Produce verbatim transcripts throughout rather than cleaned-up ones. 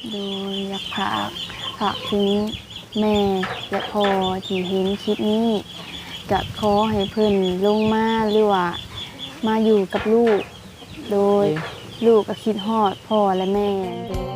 โดยอยากฝากฝากถึงแม่และพ่อที่เห็นคลิปนี้ก็ขอให้เพิ่นลงมาหรือว่ามาอยู่กับลูกโดยลูกก็คิดฮอดพ่อและแม่โดย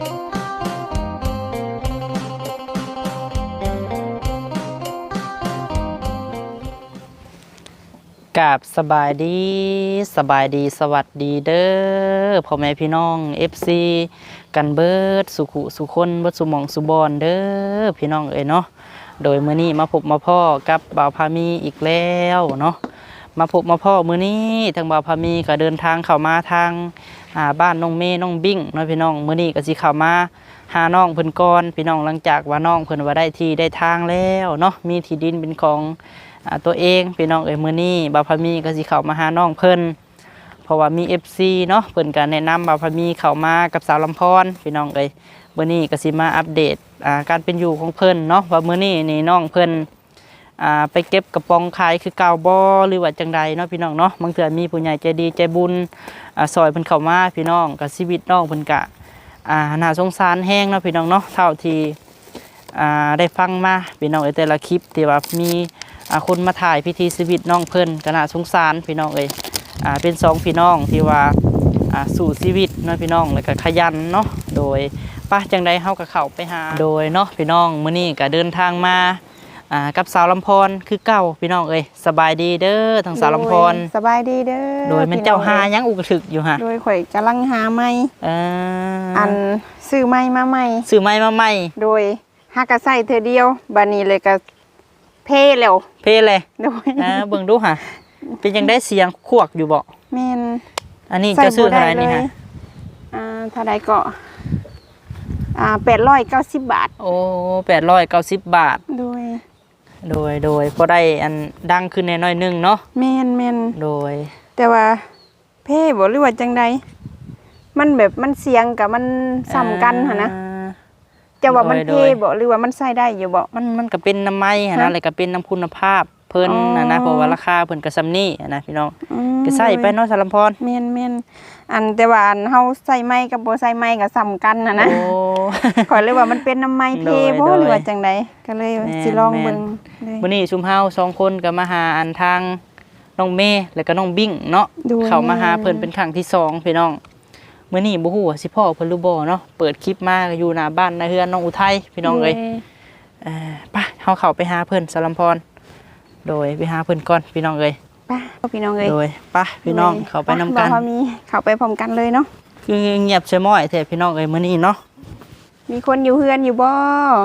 กับสบายดีสบายดีสวัสดีเด้อพ่อแม่พี่น้อง เอฟ ซี กันเบิดสุขุสุคนเบิดสุหมองสุบอนเด้อพี่น้องเอ้ยเนาะโดยมื้อนี้มาพบมาพ่อกับบ่าวพามีอีกแล้วเนาะมาพบมาพ่อมื้อนี้ทางบ่าวพามีก็เดินทางเข้ามาทางอ่าบ้านน้องเมย์น้องบิ้งเนาะพี่น้องมื้อนี้ก็สิเข้ามาหาน้องเพิ่นก่อนพี่น้องหลังจากว่าน้องเพิ่นว่าได้ที่ได้ทางแล้วเนาะมีที่ดินเป็นของตัวเองพี่น้องเอ้ยมื้อนี้บ่าวพามีก็สิเข้ามาหาน้องเพิ่นเพราะว่ามี เอฟ ซี เนาะเพิ่นก็แนะนำบ่าวพามีเข้ามากับสาวลำพรพี่น้องเอ้ยมื้อนี้ก็สิมาอัปเดตอ่าการเป็นอยู่ของเพิ่นเนาะว่ามื้อนี้นี่น้องเพิ่นอ่าไปเก็บกระป๋องขายคือเก่าบ่หรือว่าจังใดเนาะพี่น้องเนาะบางเทื่อมีผู้ใหญ่ใจดีใจบุญอ่าซอยเพิ่นเข้ามาพี่น้องก็ชีวิตน้องเพิ่นก็อ่าน่าสงสารแฮงเนาะพี่น้องเนาะเท่าที่อ่าได้ฟังมาพี่น้องเอ้ยแต่ละคลิปที่ว่ามีคนมาถ่ายพิธีชีวิตน้องเพิ่นก็น่าสงสารพี่น้องเอ้ยอ่าเป็นสองพี่น้องที่ว่าอ่าสู่ชีวิตเนาะพี่น้องแล้วก็ขยันเนาะโดยป้าจังใดเฮาก็เข้าไปหาโดยเนาะพี่น้องมื้อนี้ก็เดินทางมาอ่ากับสาวลำพรคือเก่าพี่น้องเอ้ยสบายดีเด้อทางสาวลำพรสบายดีเด้อโดยมันเจ้าหายังอุกถึกอยู่ฮะโดยข่อยกำลังหาไม้เอออันซื้อไม้มาใหม่ซื้อไม้มาใหม่โดยหากะใส่เธอเดียวบัดนี้เลยก็เพ่แล้วเพ่เลยโดยอ่าเบิ่งดูฮะเป็นยังได้เสียงขวกอยู่บ่แม่นอันนี้จะซื้อเท่าไหร่นี่ฮะอ่าเท่าใดก็อ่าแปดร้อยเก้าสิบบาทโอ้แปดร้อยเก้าสิบบาทโดยโดยโดยพอได้อันดังขึ้นแน่น้อยนึงเนาะแม่นแม่นโดยแต่ว่าเพ่บ่หรือว่าจังใดมันแบบมันเสียงกับมันซ้ำกันหั่นนะจะว่ามันเพ่บ่หรือว่ามันใส่ได้อยู่บ่มันมันก็เป็นน้ำไม้หั่นนะอะไรก็เป็นน้ำคุณภาพเพิ่นน่ะนะเพราะว่าราคาเพิ่นก็ซ้ำนี้นะพี่น้องก็ใส่ไปเนาะสารพรแม่นแม่นอันแต่ว่าอันเฮาใส่ไม้กับบ่ใส่ไม้ก็ซ้ำกันน่ะนะโอ้ขอยเลยว่ามันเป็นน้ำไม้เพ่บ่หรือว่าจังใดก็เลยสิลองเบิ่งมื้อนี้ชุมเฮาสองคนก็มาหาอันทางน้องเมย์แล้วก็น้องบิ้งเนาะเข้ามาหาเพิ่นเป็นครั้งที่สองพี่น้องมื้อนี้บ่ฮู้ว่าสิพ่อเพิ่นหรือบ่เนาะเปิดคลิปมาก็อยู่หน้าบ้านนาเฮือนน้องอุทัยพี่น้องเอ้ยเอ่อไปเฮาเข้าไปหาเพิ่นสารพรโดยไปหาเพิ่นก่อนพี่น้องเอ้ยไปพี่น้องเอ้ยโดยไปพี่น้องเข้าไปนำกันบ่มีเข้าไปพร้อมกันเลยเนาะคือเงียบใช่ม้อยแท้พี่น้องเอ้ยมื้อนี้เนาะมีคนอยู่เฮือนอยู่บ่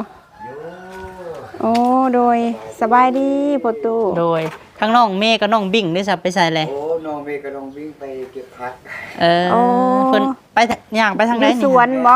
โอ้โดยสบายดีพ่อตู่โดยทั้งน้องเมย์กับน้องบิ้งได้สับไปใส่เลยโอ้น้องเมย์กับน้องบิ้งไปเก็บผักเออเพิ่นไปย่างไปทางไหนนี่มีสวนบ่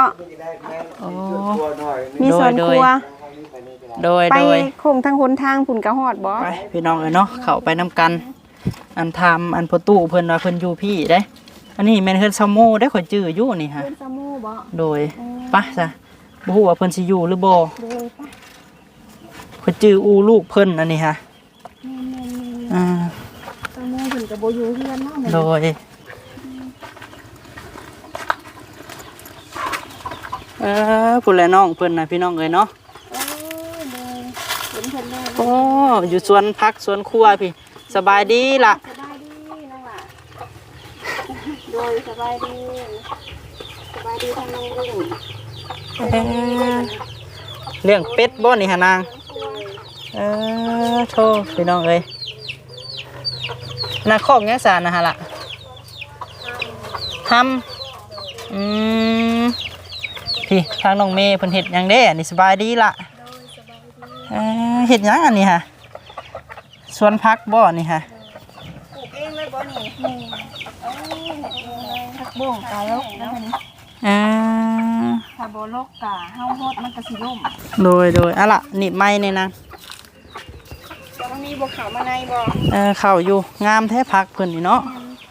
มีสวนครัวโดยไปโดยคงทางหนทางพุ่นกะฮอดบ่ไปพี่น้องเอ้ยเนาะเข้าไปนํกันอันทำอันพ่อตู่เพิ่นว่าเพิ่นอยู่พี่เด้อันนี้แม่นเฮือนซาโมได้ข่อยจื้ออยู่นี่ฮะเฮือนซาโมบ่โดยไปซะบ่ฮู้ว่าเพิ่นสิอยู่หรือบ่โดยไปข่อยจื้ออูลูกเพิ่นอันนี้ฮะอ่าซาโมเพิ่นก็บ่อยู่เฮือนเนาะโดยเออพุ่นแหละน้องเพิ่นน่ะพี่น้องเอ้ยเนาะโอ้อยู่สวนพักสวนครัวพี่สบายดีล่ะสบายดีน้องล่ะโดยสบายดีสบายดีทางน้องลุงเลี้ยงเป็ดบ่นี่หานางเออโธ่พี่น้องเอ้ยนาคอกยังสารนะฮะล่ะทำอืมพี่ทางน้องเมย์เพิ่นเฮ็ดหยังเด้นี่สบายดีล่ะเออเฮ็ดหยังอันนี้ฮะสวนพักบ่นี่ฮะปลูกเองเลยบ่นี่นี่เอ้ยผักบุ้งกะลกแล้วนี่อ่าถ้าบ่ลกกะเฮาฮอดมันก็สิล่มโดยโดยอะล่ะนี่ไม้นี่นะจะมีบ่เข้ามาในบ่เออเข้าอยู่งามแท้พักเพิ่นนี่เนาะ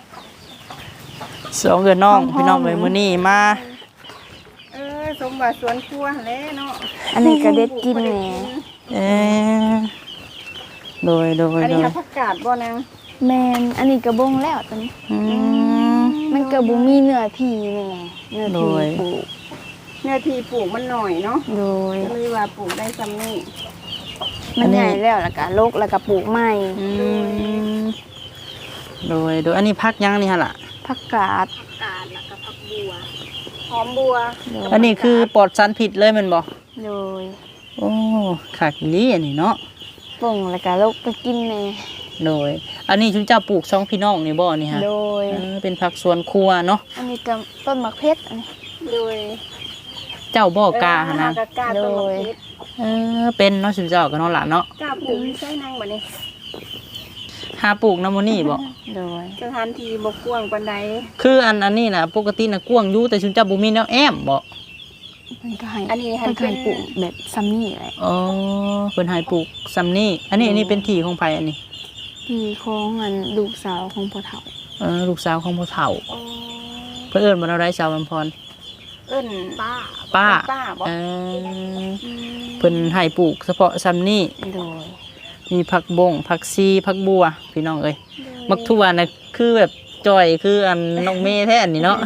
สองเอื้อน้องพี่น้องเอ้ยมื้อนี้มาเออสมบัติสวนครัวแหละเนาะอันนี้ก็เด็ดกินแหน่เออโดยโดยอันนี้โดยผักกาดบ่นางแมนอันนี้ก็บงแล้วตอนนี้อืมมันก็บ่มีเนื้อที่แหน่เนื้อที่ปลูกเนื้อที่ปลูกมันหน่อยเนาะโดยก็เลยว่าปลูกได้ซ้ำนี่มันใหญ่แล้วแล้วก็ลกแล้วก็ปลูกใหม่อืมโดยโดยอันนี้พักยังนี่ฮะล่ะผักกาดกาดแล้วก็ผักบัวหอมบัวโดยอันนี้คือปลอดสารพิษเลยแมันบ่โดยโอ้ขาดอีหลีอันนี้เนาะปงแล้วก็ลกไปกินแน่โดย อันนี้ชุนเจ้าปลูกสองพี่น้องนี่บ่นี่ฮะโดยเออเป็นผักสวนครัวเนาะอันนี้ก็ต้นมะเพชรอันนี้โดยเจ้าบ่กล้าหั่นนะเออกาต้นมะโดยเพชรเออเป็นเนาะชุนเจ้าก็เนาะล่ะเนาะกาปลูกใช้นางบัดนี้หาปลูกน้ำมันนี่บ่โดยสถานที่บ่กว้างปานใดคืออันอันนี้น่ะปกติน่ะกว้างอยู่แต่ชุนเจ้าบ่มีแนวแอมบ่มันก็ให้อันนี้ให้มันก็ให้ปลูกแบบซัมนี่แหละอ๋อเพิ่นให้ปลูกซำนี้อันนี้อันนี้เป็นที่ของไผอันนี้ที่ของอันลูกสาวของพ่อเฒ่าเออลูกสาวของพ่อเฒ่าอ๋อเพิ่นเอิ้นบ่ได้สาวลำพรเอิ้นป้าป้าป้าบ่เออมเพิ่นให้ปลูกเฉพาะซำนี้โดยมีผักบงผักซีผักบัวพี่น้องเอ้ยมักทั่วน่ะคือแบบจ่อยคืออันน้องเมย์แท้อันนี้เนาะ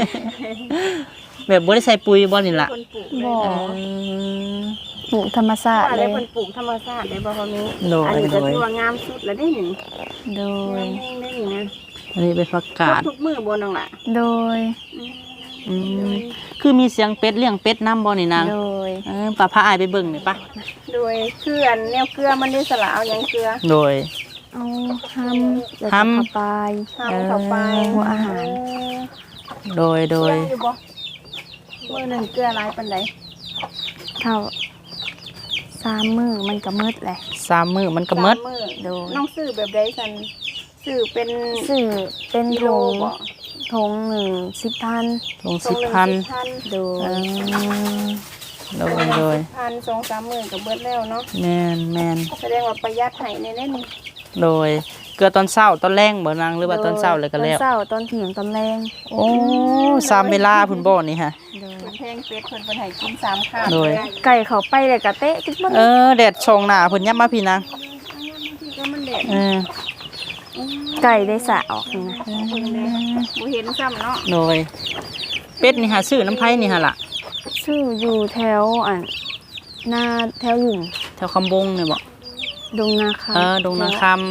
แบบบ่ได้ใส่ปุ๋ยบ่นี่ล่ะคนปลูกเลยบ่เอนะอปลูกธรรมชาติว่าเลได้ยคนปลูกธรรมชาติได้บ่พอนี้โดยอันนี้ก็โดยถือว่างามสุดแล้วได้นี่โดงาย มแห้งได้นี่นะอันนี้เป็นผักกาดทุกมื้อบ่น้องล่ะโดยอืมคือมีเสียงเป็ดเลี้ยงเป็ดนํบ่นี่นางโดยเออป้าพาอายไปเบิ่งหน่อยปะโดยคืออันแนวเกลือมันได้สละเอาหยังเกลือโดยเอาห้ำแล้วห้ำก็เข้าไปทำเข้าไปหัวอาหารโดยโดยเกลืออยู่บ่มื้อหนึงเกลือหลายปานใดเท่าสามมือมันก็มืดแหละสามมื้อมันก็หมดสามื้อโดยน้องซื้อแบบใดซั่นซื้อเป็นสื่อเป็นกิทโลงบ่ทงหนึ่งสิบพันลงสิบพันโดเอย อโดยโดยพันสองสามหมื่นก็เบิดแล้วเนาะแม่นแม่นแสดงว่าประหยัดให้ในเล่นโดยเกลือตอนเช้าตอนแรงบ่นางหรือว่าตอนเช้าเลยก็แล้วตอนเช้าตอนเที่ยงตอนแรงโอ้สามเวลาพุ่นบ่นี่ฮะโดยเพิ่นแพงเป็ดเพิ่นเพิ่นให้กินสามข้าวโดยไก่เขาไปเลยกะเตะกินมันเออแดดชงหน้าเพิ่นยับมาพี่นางก็มันแดดเออไก่ได้สะออกนี่นะเพิ่นแดดบ่เห็นซ้ำเนาะโดยเป็ดนี่หาซื้อน้ำไผนี่ฮะล่ะชื่ออยู่แถวอันหน้าแถวหลุมแถวคำบงนี่บ่ดงนาคาเออดงนาคำ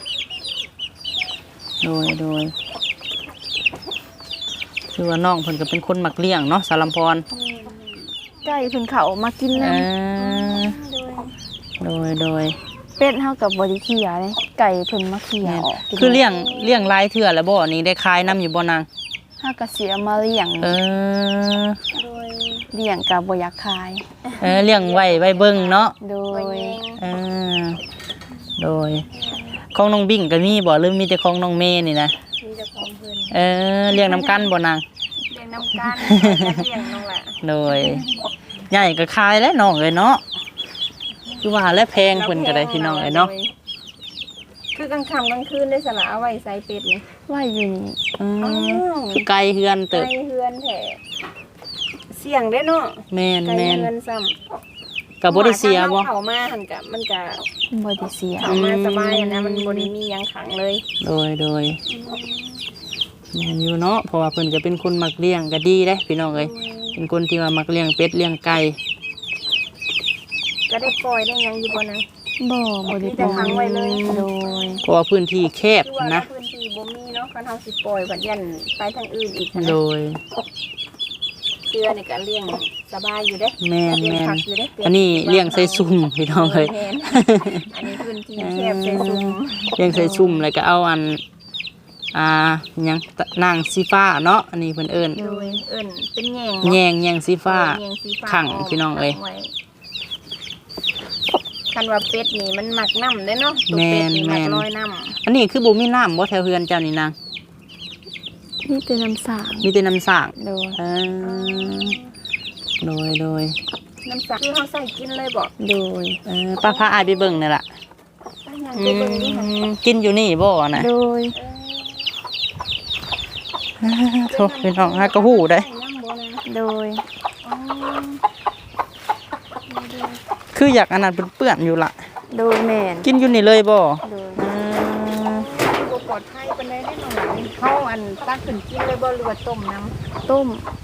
โดยโดยคือว่าน้องเพิ่นก็เป็นคนมักเลี้ยงเนาะสารำพรไก่เพิ่นเขามากินเอนะอโดยโดยเป็ดเฮากับบริเคียเลยไก่เพิ่นมาเคียแม่นออกกินคือเลี้ยงเลี้ยงหลายเทื่อแล้วบ่นี่ได้ขายน้ำอยู่บ่นางเฮาก็เสียมาเลี้ยงเออโดยเลี้ยงก็บ่อยากขายเออเลี้ยงไว้ไว้เบิ่งเนาะโดไว้ยเองเออโดยของน้องบิ่งก็มีบ่หรือมีแต่ของน้องเมย์นี่นะมีแต่ของเพิ่นเออเลี้ยงน้ำกันบ่นางเลี้ยงน้ำกันเลี้ยงน้องล่ะโดยใหญ่ก็ขายแล้วน้องเอ้ยเนาะคือว่าและแพงเพิ่นก็ได้พี่น้องเอ้ยเนาะคือกลางค่ำกลางคืนได้สละเอาไว้ใส่เป็ดนี่ว่าอยู่นี่อืมอ้าวคือไกลเฮือนเติบไก่เฮือนแท้เสี่ยงเด้เนาะแม่นไก่แม่นเฮือนซ้ำก็บ่ได้เสียบ่เข้ามาหั่นก็มันก็บ่ได้เสียเข้ามาสบายอะนะมันบ่ได้มีหยังขังเลยโดยโดยแม่นอยู่เนาะเพราะว่าเพิ่นก็เป็นคนมักเลี้ยงก็ดีเด้พี่น้องเอ้ยเป็นคนที่ว่ามักเลี้ยงเป็ดเลี้ยงไก่ก็ได้ปล่อยได้หยังอยู่บ่นะบ่บ่ได้มีแต่ขังไว้เลยโดยเพราะว่าพื้นที่แคบคือว่านะพื้นที่บ่มีเนาะคันเฮาสิปล่อยบัดยันไปทางอื่นอีกนะโดยเกลือนี่ก็เลี้ยงสบายอยู่เด้แม่นเลี้ยงแม่นผักอยู่เด้อันนี้เลี้ยงใส่ซุ่มพี่น้องเอ้ยแม่นอันนี้พื้นที่แคบใส่ซุ่มเลี้ยงใส่ซุ่มแล้วก็เอาอันอ่าหยังตะนางสีฟ้าเนาะอันนี้เพิ่นเอิ้นโดยเอิ้นเป็นแยงแยงแยงสีฟ้าแยงสีฟ้าขังพี่น้องเอ้ยขังไว้คันว่าเป็ดนี่มันมักน้ำเด้เนาะตัวเป็ดนี่แม่มักนลอยน้ำอันนี้คือบ่มีน้ำบ่แถวเฮือนเจ้านี่นางนี่เป็นน้ำสางมีแต่น้ำสร้างโดยเออโดยโดยน้ำสักคือเขาใส่กินเลยบอกโดยเออป้าพาอายไปเบิ่งนี่ล่ะยังอืไปเบิ่งดูค่ะมกินอยู่นี่บ่น่ะโดยโทษพี่น้องฮะก็ฮู้ได้ใส่น้ำบ่นะโดยอ๋อคืออยากอันนั้นเปื้อนๆอยู่ล่ะโดยแม่นกินอยู่นี่เลยบ่โดยอืมบ่ปลอดภัยปานใดได้น้องหลานเขาอันตักขึ้นกินเลยบ่หรือว่าต้มน้ต้มำ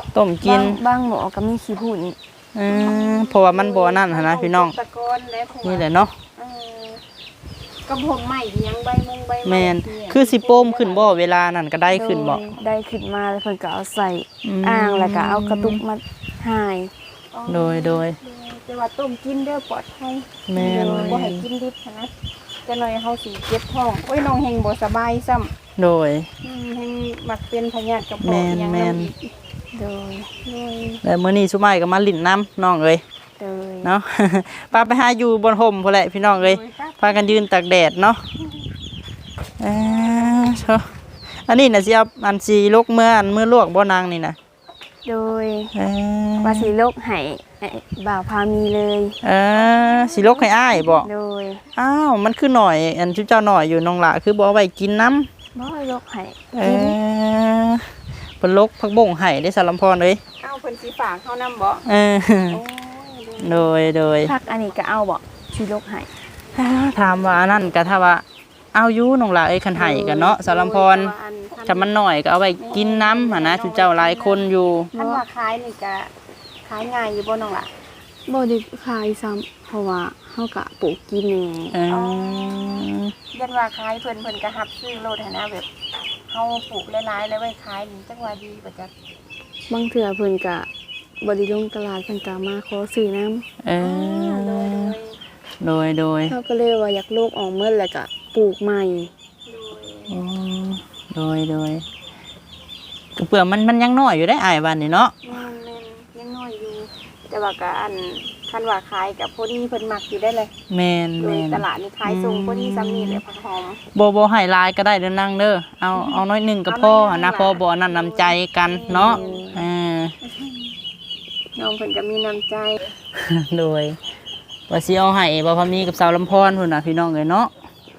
ต้มกินบางบางหมอก็มีขี้ผุ่นอืมเพราะว่ามันบ่นั่นหั้นนะพี่น้องตะกอนและผัวนี่แหละเนาะเออก็ผมใหม่ยังใบมงใบไแม่นคือสิโป้มขึ้นบ่เวลานั้นก็ได้ขึ้นบ่โดยได้ขึ้นมาแล้วเพิ่นก็เอาใส่อืมอ่างแล้วก็เอากระตุกมาหายอ๋อโดยโดยแต่ว่าต้มกินเด้อปลอดภัยแม่นบ่ให้กินดิบหั้นนะจะหน่อยเฮาสิเจ็บท้องโอ้ยน้องเฮงบ่สบายซ้ำโดยอืมเฮงมักเป็นพยาธิกระเพาะแม่นอิหยังแม่นำอีกโดยโดยแล้วมื้อนี้สุไม้ก็มาลิ้นน้ำน้องเอ้ยโดยเนาะ ป้าไปหาอยู่บนห่มพุ่นแหละพี่น้องเอ้ยพากันยืนตากแดดเนาะเอ้อโชอันนี้น่ะสิเอาอันสิลกเมื่ออันมื้อลวกบ่นางนี่น่ะโดยเออว่าสิโลกให้ไอ้บ่าวพามีเลยเออสิลกให้อ้ายบ่โดยอ้าวมันคือหน่อยอันชุเจ้าหน่อยอยู่น้องหละคือบ่เอาไว้กินน้ำบ่ให้โลกให้เอกินอเพิ่นลกผักบ่งให้ได้สารำพรเอ้ยเอ้าเพิ่นสิฝากเฮานำบ่เออโอ้ยเด้อโดยโดยพักอันนี้ก็เอาบ่สิโลกให้ถามว่าอันนั้นก็ถ้าว่าเอาอยู่น้องหละเอ้ยคันให้กันเนาะสารำพรแต่ว่าอันคัถ้ามันหน่อยก็เอาไว้กินน้ำหั่นนะชุเจ้าหลายคนอยู่คันว่าขายนี่ก็ขายง่ายอยู่บ่น้องล่ะบ่ได้ขายซ้ำเพราะว่าเฮาก็ปลูกกินแหน่เออยันว่าขายเพิ่นเพิ่นก็รับซื้อโลดหันนะแบบเฮาปลูกหลายๆแล้วไว้ขายนี่จังว่าดีบ่จักบางเทื่อเพิ่นก็บ่ได้ลงตลาดเพิ่นก็มาขอซื้อน้ำเอโดยอโดยโดยเฮาก็เลยว่าอยากโลกออกเมื่อแล้วก็ปลูกใหม่โดยอืมโดยโดยก็เปลือกมันมันยังน้อยอยู่ได้อ้ายวันนี่เนาะแม่นแม่นยังน้อยอยู่ แต่ว่าก็อันคันว่าขายกับพอดีเพิ่นมักอยู่ได้เลยแม่นโดยแม่นตลาดนี่ขายส่งพอดีซ้ำนี่เลยผักหอมโบโบให้ลายก็ได้เด้อนั่งเด้อเอาเอาน้อยหนึ่งกับพ่อนะพ่อบ่นั่นนำใจกันเนาะเออน้องเพิ่นก็มีน้ำใจโดยว่าสิเอาให้บ่พามีกับสาวลำพรพุ่นน่ะพี่น้องเอ้ยเนาะ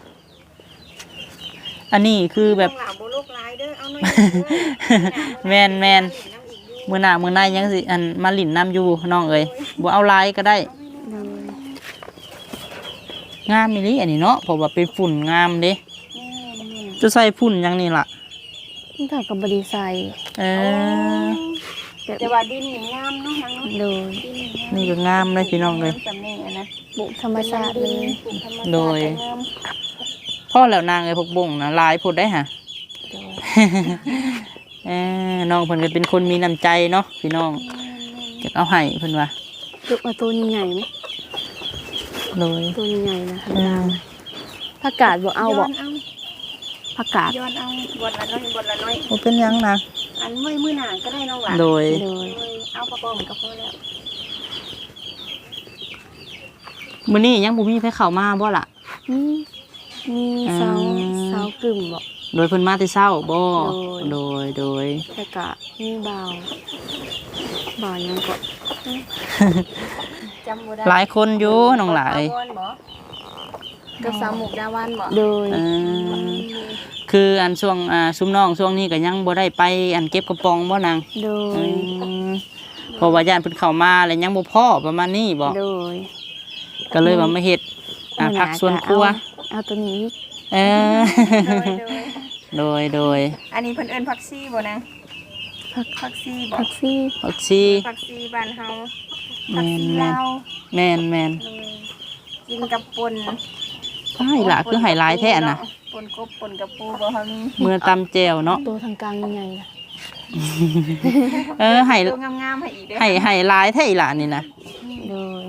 อันนี้คือแบบน้องหลาบ่ลูกหลายเด้อเอาหน่อยแม่นแม่นมื้อหน้ามื้อหน้ายังสิอันมาลิ้นน้ำอยู่น้องเอ้ยบ่เอาลายก็ได้โดยงามอีหลีอันนี้เนาะเพราะว่าเป็นฝุ่นงามเด้จะใส่ฝุ่นหยังนี่ล่ะมันก็ก็บ่ได้ใส่เออแต่ว่าดินนี่งามเนาะนางเนาะโดยดินนี่งามนี่ก็งามเลยพี่น้องเลยสำเนียงอะนะปลูกธรรมชาติเลยปลูกธรรมชาติโดยก็งามพ่อแล้วนางไอ้พวกบ่งนะลายพูดได้ฮะโดยเออน้องเพิ่นก็เป็นคนมีน้ำใจเนาะพี่น้องจะเอาให้เพิ่นว่าลูกเอาตัวใหญ่ๆไหมโดยตัวใหญ่ๆนะเออผักกาดบ่เอาบ่ย้อนเอาผักกาดย้อนเอาบทละน้อยบทละน้อยบ่เป็นหยังนะอันมื้อมื้อหน้าก็ได้น้องหลานโดยโดยโดยเอาประกอบก็พอแล้วมื้อนี้ยังบ่มีไผเข้ามาบ่ล่ะมีมีเสาอืมเสากึ่มบ่โดยเพิ่นมาแต่เช้าบ่โดโดยยโดยแล้วก็มีบ่าวบ่าวหยังก็จำบ่ได้หลายคนอยู่น้องหลายบ่บ่กับสาวหมกดาวันบ่โดยเออคืออันช่วงอ่าซุมน้องช่วงนี้ก็ยังบ่ได้ไปอันเก็บกระป๋องบ่นางโดอืยมเพราะว่าญาติเพิ่นเข้ามาแล้วยังบ่พอประมาณนี้บ่โดยก็เลยว่ามาเฮ็ดอ่าผักสวนครัวเอาเอาตัวนี้อีกเออโดยโดยโดยโดยอันนี้เพิ่นเอิ้นผักชีบ่นางผักผักชีบ่ผักซี่ผักชีผักชีบ้านเฮาแม่ผักนชีแม่นลาวแม่นแม่นเออกินกับป่นใช่ล่ะคือไฮไลท์แท้น่ะป่นกบป่นกับปูบ่เฮามีเมื่อตำแจ่วเนาะตัวทางกลางใหญ่ๆนะเออไฮตัวงามๆให้อีกเด้อไฮไฮไลท์แท้อีหล่ะนี่นะโดย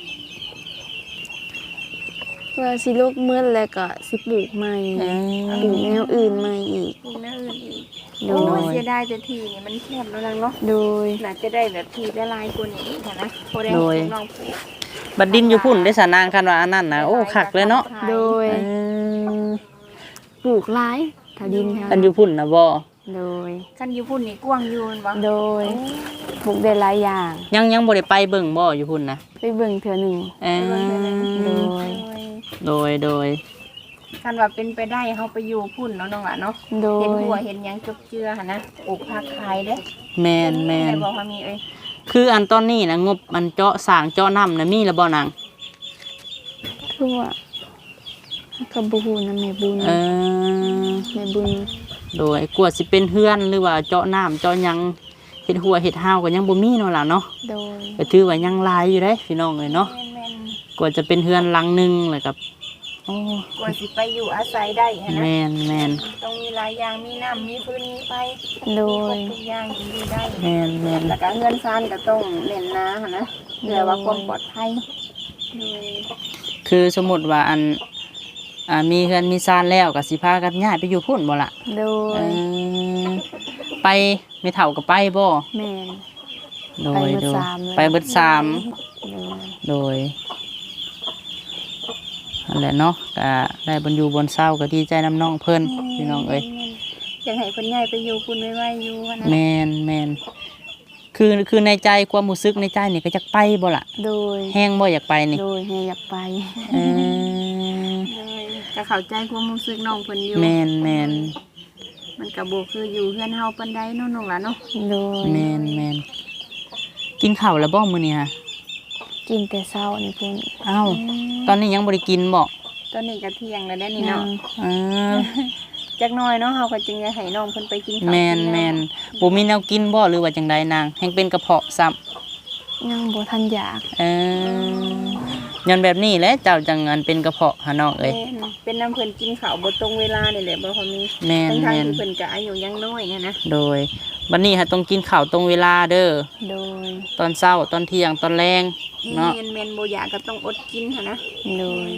ว่าสิลูกเมื่อแล้วก็สิปลูกใหม่เออปลูกแนวอื่นใหม่อีกปลูกแนวอื่นอีกโดโอ้ยยเสียดายแต่ที่นี่มันแคบแล้วนางเนาะโดยน่าจะได้แบบที่ละลายกว่านี้ค่ะนะพอได้ให้น้องปลูกบัดดินอยู่พุ่นได้สานางกันว่าอันนั้นน่ะโอ้คักเลยเนาะโดยเออปลูกหลายถ้าดินแถวอันอยู่พุ่นน่ะบ่โดยคันอยู่พุ่นนี่กว้างอยู่แม่นบ่โดยปลูกได้หลายอย่างยังยังบ่ได้ไปเบิ่งบ่อยู่พุ่นนะไปเบิ่งเทื่อหนึ่งเออโดยโดยโดยคันว่าเป็นไปได้เฮาไปอยู่พุ่นเนาะน้องหลานเนาะโดเห็นยหัวเห็นหยังจบเจือหั่นนะปลูกผักขายเด้แม่นแม่นได้บอกว่ามีเอ้ยคืออันตอนนี้นะงบมันเจาะสร้างเจาะน้ำนะมีแล้วบ่นางคือว่ากับบูฮูนะแม่บุญเออแม่บุญโดยกลัวสิเป็นเฮือนหรือว่าเจาะน้ำเจาะหยังเฮ็ดหัวเฮ็ดห้าวก็ยังบ่มีเนาะล่ะเนาะโดยก็ถือว่ายังหลายอยู่เด้พี่น้องเอ้ยเนาะแม่นกว่าจะเป็นเฮือนหลังหนึงแล้วก็โอ้ๆกว่าสิไปอยู่อาศัยได้หั้นนะแม่นแม่นต้องมีหลายอย่างมีน้ำมีพื้นมีไฟโดมีครยบทุกอย่างที่อยู่ได้แม่นแม่นแล้วก็เงินซานก็ต้องเน้นหนาหั่นนะเพื่อว่าความปลอดภัยโดยคือสมมุติว่าอันอ่ามีเฮือนมีซานแล้วก็สิพากันย้ายไปอยู่พุ่นบ่ล่ะโดเอย อไปไม่เท่ากับไปบ่แม่นโดไปยเบิดโดยสามเลยไปเบิดสามโดยโดยนั่นแหละเนาะก็ได้บรรยูบนเศร้าก็ดีใจน้ำน้องเพิ่นพี่น้องเอ้ยอยากให้คนใหญ่ไปอยู่คุณไว้ไว้อยู่หั่นนะแมนแมนคือคือในใจความรู้สึกในใจนี่ก็อยากไปบ่ล่ะโดยแห้งบ่อยากไปนี่โดยให้อยากไปเออเลยก็เข้าใจความรู้สึกน้องเพิ่นอยู่แมนแมนมันก็บ่คืออยู่เฮือนเฮาปานใดเนาะน้องหล่ะเนาะโดยแมนแมนกินข้าวแล้วบ่มื้อนี้ฮะกินแต่เช้านี่เพิ่นอ้าวตอนนี้ยังบ่ได้กินบ่ตอนนี้ก็เที่ยงแล้วได้นี่ยัเนาะงเออจักหน่อยเนาะเฮาก็จึงจะให้น้องเพิ่นไปกินข้าวแมนกิแมล้นวบ่มีแนวกินบ่หรือว่าจังใดนางแฮงเป็นกระเพาะซ้ำยังบ่ทันอยากเออยันแบบนี้แหละเจ้าจังอันเป็นกระเพาะหาน้องเอ้ยแม่นเป็นน้ำเพิ่นกินข้าวบ่ตรงเวลานี่แหละบ่พอมีแม่นทั้งแม่ๆนที่เพิ่นก็อายุยังน้อยเนี่ยนะโดยบัดนี้ฮะต้องกินข้าวตรงเวลาเด้อโดยตอนเช้าตอนเที่ยงตอนแรงเนาะแม่นแม่นบ่อยากก็ต้องอดกินหั่นนะโดย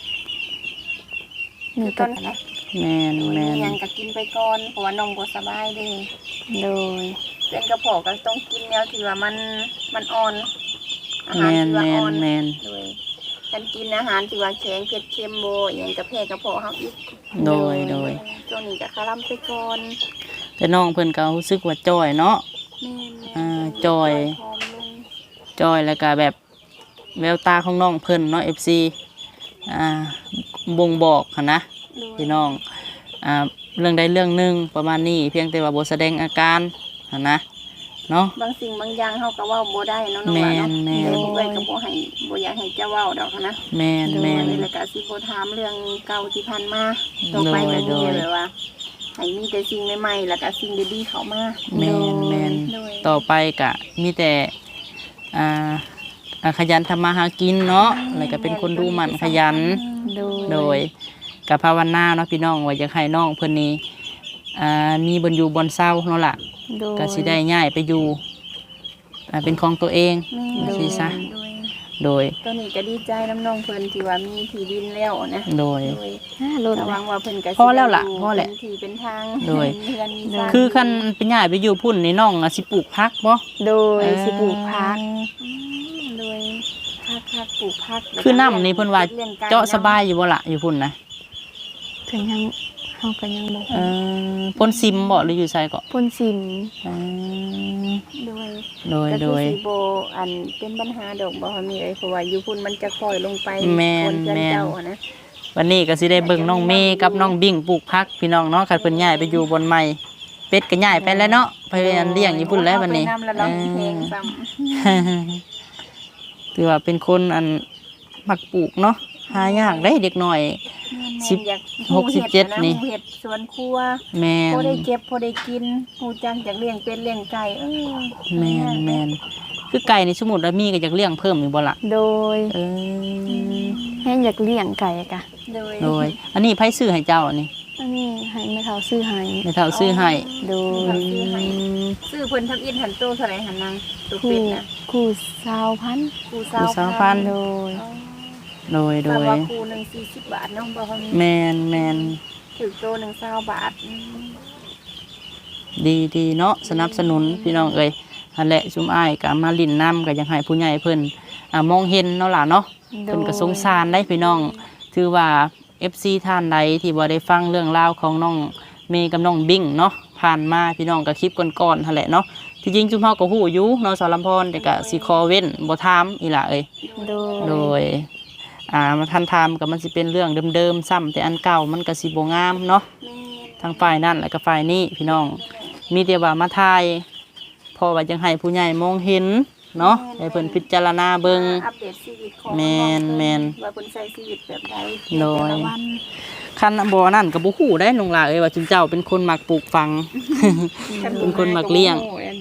คืนี่อตก็อนนะแม่นโดยแม่มีนหยังก็กินไปก่อนเพราะว่าน้องบ่สบายเด้โดยเป็นกระเพาะก็ต้องกินแนวที่ว่ามันมันอ่อน อาหารแม่นที่ว่าแม่อ่อน นแม่นโดยการกินอาหารที่ว่าแข็งเผ็ดเค็มโบอหย่างกระเพาะกระเพาะเฮาอีกโดยโดยช่วงนี้ก็คาร่ำไปก่อนแต่น้องเพิ่นก็รู้สึกว่าจ้อยเนาะแม่นๆอ่าจอยผอมลงจ้อยแล้วก็แบบแววตาของน้องเพิ่นเนาะ เอฟ ซี อ่าบ่งบอกหันนะโดยพี่น้องอ่าเรื่องใดเรื่องหนึงประมาณนี้เพียงแต่ว่าบ่แสดงอาการหันนะเนาะบางสิ่งบางอย่างเฮาก็เว้าบ่ได้เนาะน้องแม่ว่าน เนาะแม่นเดี๋ยวบ่ได้ก็บ่ให้บ่อยากให้เจ้าเว้าดอกนะแม่นแม่นแล้วก็สิบ่ถามเรื่องเก่าที่ผ่านมาต่อไปก็โดมียแบบว่าให้มีแต่สิ่งใหม่ๆแล้วก็สิ่งดีๆเข้ามาแม่นแม่นโดยต่อไปก็มีแต่อ่าอ่าขยันทำมาหากินเนาะแล้วก็เป็นคนดูหมั่นขยันโดยโดยกับภาวนาเนาะพี่น้องว่าอยากให้น้องเพิ่นนี้อ่ามีบนอยู่บนเศร้าเนาะล่ะโดยก็สิได้ย้ายไปอยู่อ่าเป็นของตัวเองแม่สิซะโดยโดยตอนนี้ก็ดีใจน้ำน้องเพิ่นที่ว่ามีที่ดินแล้วนะโดยโดยอ่ารถระเลวัยงว่าเพิ่นก็สิพอแล้วล่ะได้ยู่พอแหละเป็นที่เป็นทางโดยมีเรือนมีซ่านคือคันเป็นย้ายไปอยู่พุ่นนี่น้องอะสิปลูกผักบ่โดยสิปลูกพักอืมโดยพักพักปลูกพักคือน้ำนี่เพิ่นว่าลี้ยงไก่เจาะสบายอยู่บ่ล่ะอยู่พุ่นนะถึงยังเฮาก็ยังบ่เออพ่นซิมบ่หรืออยู่ไสก็พ่นสิมเออโดยโดยก็โดคือย สิโบอันเป็นปัญหาดอกบ่ว่ามีเอ้ยเพราะว่าอยู่พุ่นมันจะค่อยลงไปแม่นคนเพื่อนแม่นเจ้าอะนะวันนี้ก็สิได้เบิ่งน้องเมย์กับน้องบิ่งปลูกผักพี่น้องเนาะคันเพิ่นย้ายไปอยู่บนใหม่เป็ดก็ย้ายไปแล้วเนาะไปเรียนเลี้ยงอยู่พุ่นแล้วบัดนี้เอาไปนำแล้วเราเพลงซ้ำถือว่าเป็นคนอันมักปลูกเนาะหายากได้เด็กหน่อย สิบอยากหกสิบเจ็ดหูนี่เห็ดสวนครัวแม่พนอได้เก็บพอได้กินหูจังจากเลี้ยงเป็ดเลี้ยงไก่เออแม่นแม่นคือไก่ในสมุดแล้วมีก็อยากเลี้ยงเพิ่มอยู่บ่ล่ะโดยเออแห้งอยากเลี้ยงไก่กะโดยโดยอันนี้ไผซื้อให้เจ้าอันนี้อันนี้ให้แม่เฒ่าซื้อให้แม่เฒ่าซื้อให้โดยซื้อให้ซื้อเพิ่นทำอินหันโตเท่าไหร่หันนางตัวคู่เป็ดนะคู่สาวพันธุ์คูคู่สาวพันธุ์โดยอ๋อโดยโดแต่ยว่าคูหนึ่งสี่สิบบาทเนาะบ่เขามีแม่นแม่นถือโตหนึ่งเศร้าบาทอืมดีดีเนาะสนับสนุนพี่น้องเอ้ยนั่นแหละซุมอ้ายก็มาลิ้นน้ำก็อยากให้ผู้ใหญ่เพิ่นอ่ามองเห็นเนาะล่ะเนาะโดเพิ่นยก็สงสารได้พี่น้อง ถือว่า เอฟ ซี ท่านใดที่บ่ได้ฟังเรื่องราวของน้องเมย์กับน้องบิ่งเนาะผ่านมาพี่น้องก็คลิปก่อนๆหั่นแหละเนาะที่จริงจุมเฮาก็ฮู้อยู่เนาะสาวลำพรแต่ก็สิขอเว้นบ่ถามอีหล่ะเอ้ยโดยโดยอ่ามาทันถามก็มันสิเป็นเรื่องเดิมๆซ้ำแต่อันเก่ามันก็สิบ่งามเนาะแม่นทั้งฝ่ายนั่นและก็ฝ่ายนี้พี่น้อง มีแต่ว่ามาทายเพอว่าจังให้ผู้ใหญ่มองเห็นเนาะให้เพิ่นพิจารณาเบิ่งอัปเดตชีวิตของแม่นองแม่นว่าเพิ่นใช้ชีวิตแบบใดโดยแต่ละวันคันบ่นั่นก็บ่ฮู้ได้น้องหลาเอ้ยว่าจุนเจ้าเป็นคนมักปลูกฝัง เป็นคนมักเลี้ยงโอ้ยโดยแม่น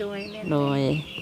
โดย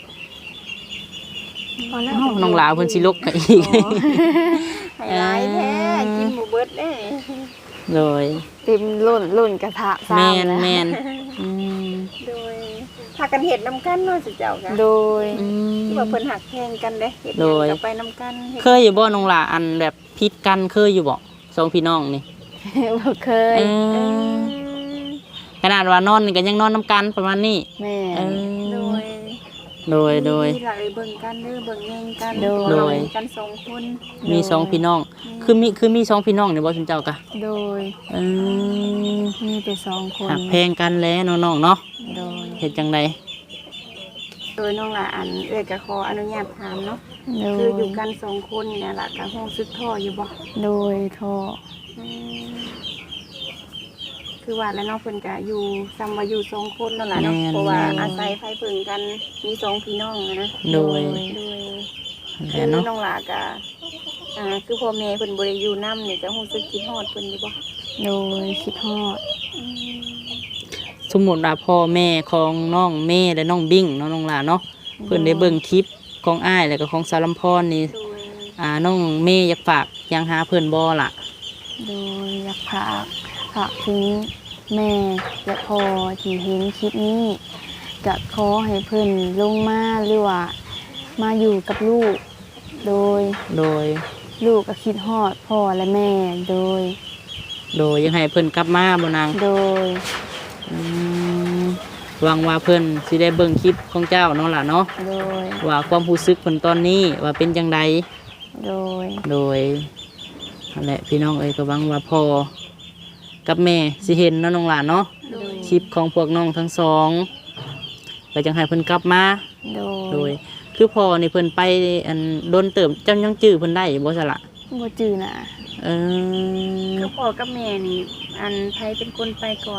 พอแล้วเอ้าน้องหลาเพิ่นสิลกให้อีกไฮไลท์แท้กินหมูเบิดเด้โดยเต็มล้นล้นกระทะแม่ซ้ำนแล้วแม่นอืมโดยพากันเฮ็ดนํกันเนาะสิเจ้าค่ะโดยอืมที่ว่าเพิ่นหักแพงกันเด้เฮ็ดหโดยังยก็ไปนํกันเฮ็ดเคยอยู่บ่น้องหลาอันแบบพิษกันเคยอยู่บ่สองพี่น้องนี่บ่เคยเออขนาดว่านอนนี่ก็ยังนอนนํกันประมาณนี้แม่เออโดยโดยโดยมีหลายเบิ่งกันเด้อเบิ่งแย่งกันโดยเพราะว่าเรามีกันสองคนมีสองพี่น้อง คือมีคือมีสองพี่น้องนี่บ่ซุนเจ้ากะโดยเออมีแต่สองคนหักแพงกันแล้วน้องๆเนาะโดยเฮ็ดจังไดโดยน้องละอันเอ้ยก็ขออนุญาตถามเนาะโดคือย อยู่กันสองคนเนี่ยล่ะก็ฮู้สึกท้ออยู่บ่โดยท่ออืมคือว่าแล้วเนาะเพิ่นก็อยู่ซ้ำว่าอยู่สองคนนั่นล่ะเนาะเพราะว่าอาศัยไผเพิ่งกันมีสองพี่น้องอะนะโดยโดยแหคืละอเนาะน้องหลาก็อ่าคือพ่อแม่เพิ่นบ่ได้อยู่นำนี่จะรู้สึกคิดฮอดเพิ่นอยู่บ่โดยคิดฮอดอืมสมมุติว่าพ่อแม่ของน้องเมย์และน้องบิ้งเนาะน้องหลาเนาะเพิ่นได้เบิ่งคลิปของอ้ายแล้วก็ของสารลำพรนี่โดยอ่าน้องเมย์อยากฝากหยังหาเพิ่นบ่ล่ะโดยอยากฝากฝากถึงแม่และพ่อที่เห็นคลิปนี้ก็ขอให้เพิ่นลงมาหรือว่ามาอยู่กับลูก โดยโดยลูกก็คิดฮอดพ่อและแม่โดยโดยยังให้เพิ่นกลับมาบ่นางโดยอืมหวังว่าเพิ่นสิได้เบิ่งคลิปของเจ้าเนาะล่ะเนาะโดยว่าความรู้สึกเพิ่นตอนนี้ว่าเป็นจังไดโดยโดยนั่นแหละพี่น้องเอ้ยก็หวังว่าพ่อกับแม่สิเห็นเนาะน้องหลานเนาะโดยคลิปของพวกน้องทั้งสองก็จังให้เพิ่นกลับมาโดโดยย คือพ่อนี่เพิ่นไปอันโดนเติมเจ้ายังจื้อเพิ่นได้บ่ซะละบ่จือน่ะเออคือพ่อกับแม่นี่ อันไผเป็นคนไปก่อน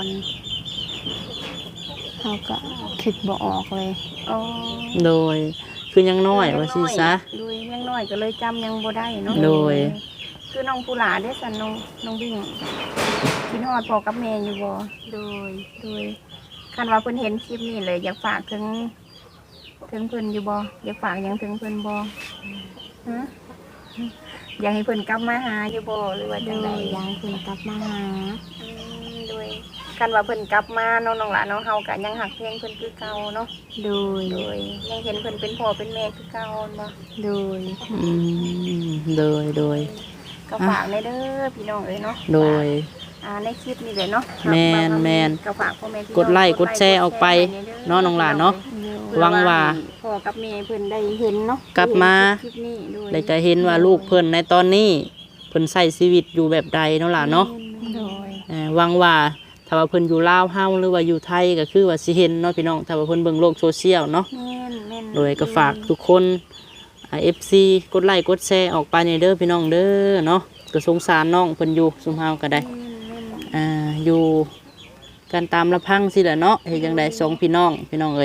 เขาก็คิดบ่ออกเลยอ๋อโดยคือยังน้อยว่าสิซะโดยยังน้อยก็เลยจำยังบ่ได้เนาะโดยคือน้องผู้หลาเด้อสันน้องน้องบิ่งคิดฮอดพ่อกับแม่อยู่บ่โดย โดยคันว่าเพิ่นเห็นคลิปนี้เลยอยากฝากถึง ถึงเพิ่นอยู่บ่อยากฝากหยังถึงเพิ่นบ่ฮะอยากให้เพิ่นกลับมาหาอยู่บ่หรือว่าโดจังไดยอยากให้เพิ่นกลับมาหาอืมโดยคันว่าเพิ่นกลับมาเนาะน้องหลานเนาะเฮาก็ยังหักเพลงเพิ่นคือเก่าเนาะโดยโดยยังเห็นเพิ่นเป็นพ่อเป็นแม่คือเก่าบ่โดยอืมโดยโดยก็ฝากในเด้อพี่น้องเอ้ยเนาะโดยอ่าในคลิปนี้เลยเนาะแม่นแม่นก็ฝากพ่อแม่พี่น้องกดไลค์กดแชร์ออกไปเนาะน้องหลานเนาะเพื่อหวังว่าพ่อกับแม่เพิ่นได้เห็นเนาะกลับมาคลิปนี้โดยได้จะเห็นว่าลูกเพิ่นในตอนนี้เพิ่นใช้ชีวิตอยู่แบบใดเนาะล่ะเนาะโดยเอ่อหวังว่าถ้าว่าเพิ่นอยู่ลาวเฮาหรือว่าอยู่ไทยก็คือว่าสิเห็นเนาะพี่น้องถ้าว่าเพิ่นเบิ่งโลกโซเชียลเนาะแม่นแม่นโดยก็ฝากทุกคนอ่า เอฟ ซี กดไลค์กดแชร์ออกไปในเด้อพี่น้องเด้อเนาะก็สงสารน้องเพิ่นอยู่ซุมเฮาก็ได้แม่นแม่นอ่าอยู่กันตามลำพังสิแหละเนาะเฮ็ดจังได๋สองพี่น้องพี่น้องเอ้ย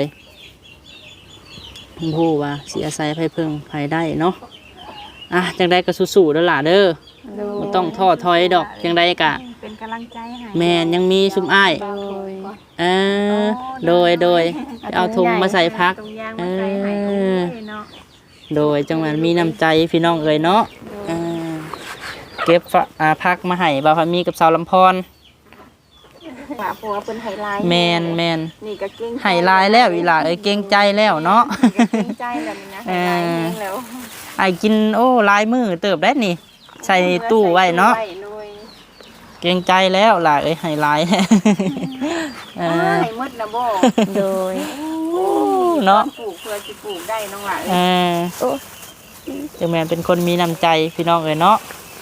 บ่ฮู้ว่าสิอาศัยไผเพิ่งไผได้เนาะอ่ะจังไดก็สู้ๆเด้อล่ะเด้อโดยบ่ต้องท้อถอยดอกจังไดกะเป็นกำลังใจให้แม่นยังมีซุมอ้ายโดยเออโดยโดยเอาถุงมาใส่พักตรงยางมาใส่ให้เอโอ้อยเนาะโดยจังหวัดมีน้ำใจพี่น้องเอ๋ยเนาะเออเก็บฝะอ่าพักมาให้บ่าวพามีกับสาวลำพรว่าเพราะว่าเพิ่นไฮไลท์แมนแมนนี่ก็เก่งใจให้ลายแล้วอีหล่าเอ้ยเก่งใจแล้วเนาะนี่ก็เก่งใจแล้วนี่นะไฮไลท์เองแล้วไอ้กินโอ้ลายมือเติบได้นี่ ใส่ตู้ไว้เนาะใส่ตู้ไว้เก่งใจแล้วล่ะเอ้ยให้ลาย เอโดยออ้ายมืดนะบ่โดยเนาะปลูกเพื่อสิปลูกได้น้องหลานเออจังแมนเป็นคนมีน้ำใจพี่น้องเอ้ยเนาะ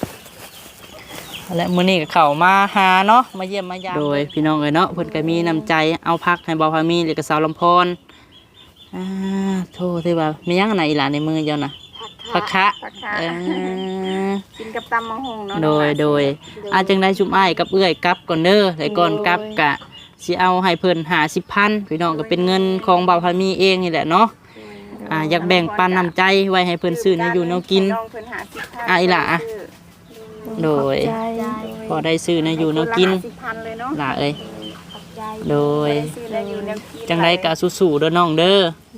และมื้อนี้ก็เข้ามาหาเนาะมาเยี่ยมมายามโดยพี่น้องเอ้ยเนาะเพิ่นก็มีน้ำใจเอาพักให้บ่าวพามีหรือก็สาวลำพรอ่าโทษที่ว่ามีหยังอันไหนอีหล่ะในมือเจ้าน่ะผักคะผักคะเออกินกับตำมังหงเนาะโดยโดยอาจังได้ชุมอ้ายกับเอื้อยกลับก่อนเด้อแต่ก่อนกลับกะสิเอาให้เพิ่นห้าสิบพันพี่น้องก็เป็นเงินของบ่าวพามีเองนี่แหละเนาะอ่าอยากแบ่งปันน้ำใจไว้ให้เพิ่นซื้อแนวอยู่แนวกินน้องเพิ่นหาสิบพันอ่ะอีหล่ะ โดยใจพอได้ซื้อแนวอยู่แนวกินสิบพันเลยเนาะล่ะเอ้ยขอบใจโดยได้ซื้อได้อยู่แนวกินจังได้กะสู้ๆเด้อน้องเด้อ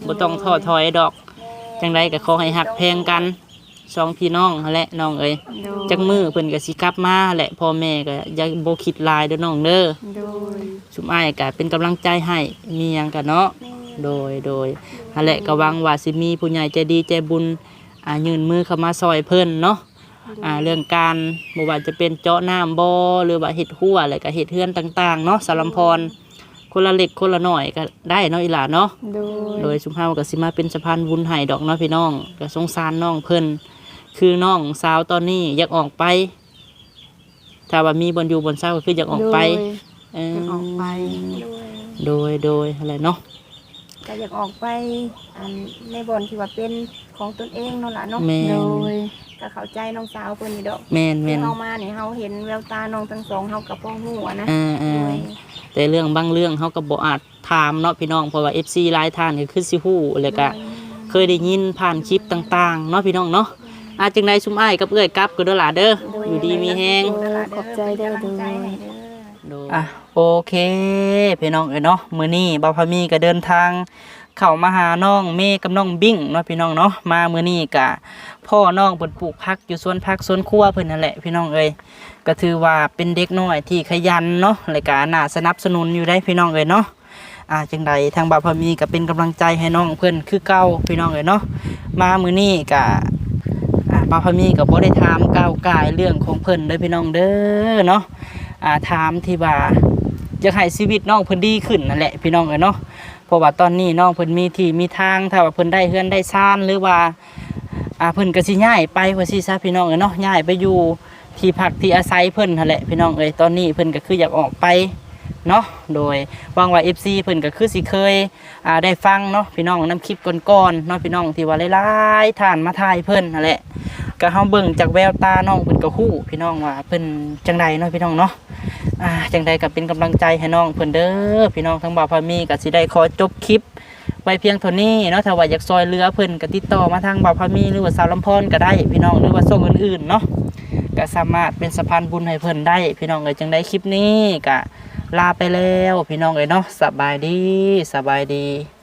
บ่ต้องท้อถอยดอกจังไดก็ขอให้ฮักแพงกันสองพี่น้องนั่นแหละน้องเอ้ยโดยจักมือเพิ่นก็สิกลับมาแหละพ่อแม่ก็อย่าบ่คิดหลายเด้อน้องเด้อโดยชุมอ้ายก็เป็นกำลังใจให้มีหยังก็เนาะโดยโดยนั่นแหละก็หวังว่าสิมีผู้ใหญ่ใจดีใจบุญอ่ายื่นมือเข้ามาซอยเพิ่นเนาะอ่าเรื่องการบ่ว่าจะเป็นเจาะน้ำบ่หรือว่าเฮ็ดหัวแล้วก็เฮ็ดเฮือนต่างๆเนาะสารำพรคนละเล็กคนละน้อยก็ได้เนาะอีหล่าเนาะโดยโดยชุมเฮาก็สิมาเป็นสะพานบุญให้ดอกเนาะพี่น้องก็สงสารน้องเพิ่นคือน้องสาวตอนนี้อยากออกไปถ้าว่ามีบนอยู่บนเศร้าก็คืออยากออกไปเออจะออกไปโดยโดยอะไรเนาะก็อยากออกไปอันในบ่อนที่ว่าเป็นของตนเองเนาะล่ะเนาะแมโดนยก็เข้าใจน้องสาวเพิ่นนี่ดอกแมนแมที่นเฮามานี่เฮาเห็นแววตาน้องทั้งสองเฮากับพ่อฮู้อะนะอ่าโดอ่าย แต่เรื่องบางเรื่องเขาก็บ่อาจถามเนาะพี่น้องเพราะว่า เอฟ ซี หลายท่านก็คือสิฮู้แล้วก็เคยได้ยินผ่านคลิปต่างๆเนาะพี่น้องเนาะอาจังไดชุมอ้ายกับเอ้อยกลับก็เด้อล่ะเด้ออยู่ดีมีแฮงขอบใจเด้อเป็นกำลังใจให้เด้ออ่ะโอเคพี่น้องเอ้ยเนาะมื้อนี้บ่าวพามีก็เดินทางเข้ามาหาน้องเมย์กับน้องบิ้งเนาะพี่น้องเนาะมามื้อนี้ก็พ่อน้องเพิ่นปลูกผักอยู่สวนผักสวนครัวเพิ่นนั่นแหละพี่น้องเอ้ยก็ถือว่าเป็นเด็กน้อยที่ขยันเนาะและก็น่าสนับสนุนอยู่ได้พี่น้องเอ้ยเนาะอ่าจังใดทางบ่าวพามีก็เป็นกำลังใจให้น้องเพิ่นคือเก่าพี่น้องเอ้ยเนาะมามื้อนี้ก็อ่าบ่าวพามีก็บ่ได้ถามก้าวกายเรื่องของเพิ่นเด้อพี่น้องเด้อเนาะอ่าถามที่ว่าอยากให้ชีวิตน้องเพิ่นดีขึ้นนั่นแหละพี่น้องเอ้ยเนาะเพราะว่าตอนนี้น้องเพิ่นมีที่มีทางถ้าว่าเพิ่นได้เฮือนได้ซ่านหรือว่าอ่าเพิ่นก็สิย้ายไปว่าซี่ซะพี่น้องเอ้ยเนาะย้ายไปอยู่ที่พักที่อาศัยเพิ่นนั่นแหละพี่น้องเอ้ยตอนนี้เพิ่นก็คืออยากออกไปเนาะโดยหวังว่า เอฟ ซี เพิ่นก็คือสิเคยอ่าได้ฟังเนาะพี่น้องนำคลิปก่อนๆเนาะพี่น้องที่ว่าหลายๆท่านมาถ่ายเพิ่นนั่นแหละก็เฮาเบิ่งจากแววตาน้องเพิ่นก็ฮู้พี่น้องว่าเพิ่นจังใดเนาะพี่น้องเนาะ อ่าจังใดก็เป็นกำลังใจให้น้องเพิ่นเด้อพี่น้องทั้งบ่าวพามีก็สิได้ขอจบคลิปไว้เพียงเท่านี้เนาะถ้าว่าอยากซอยเรือเพิ่นก็ติดต่อมาทางบ่าวพามีหรือว่าสาวลำพรก็ได้พี่น้องหรือว่าส่งอื่นๆเนาะก็สามารถเป็นสะพานบุญให้เพิ่นได้พี่น้องเอ้ยจังได้คลิปนี้ก็ลาไปแล้วพี่น้องเอ้ยเนาะสบายดีสบายดี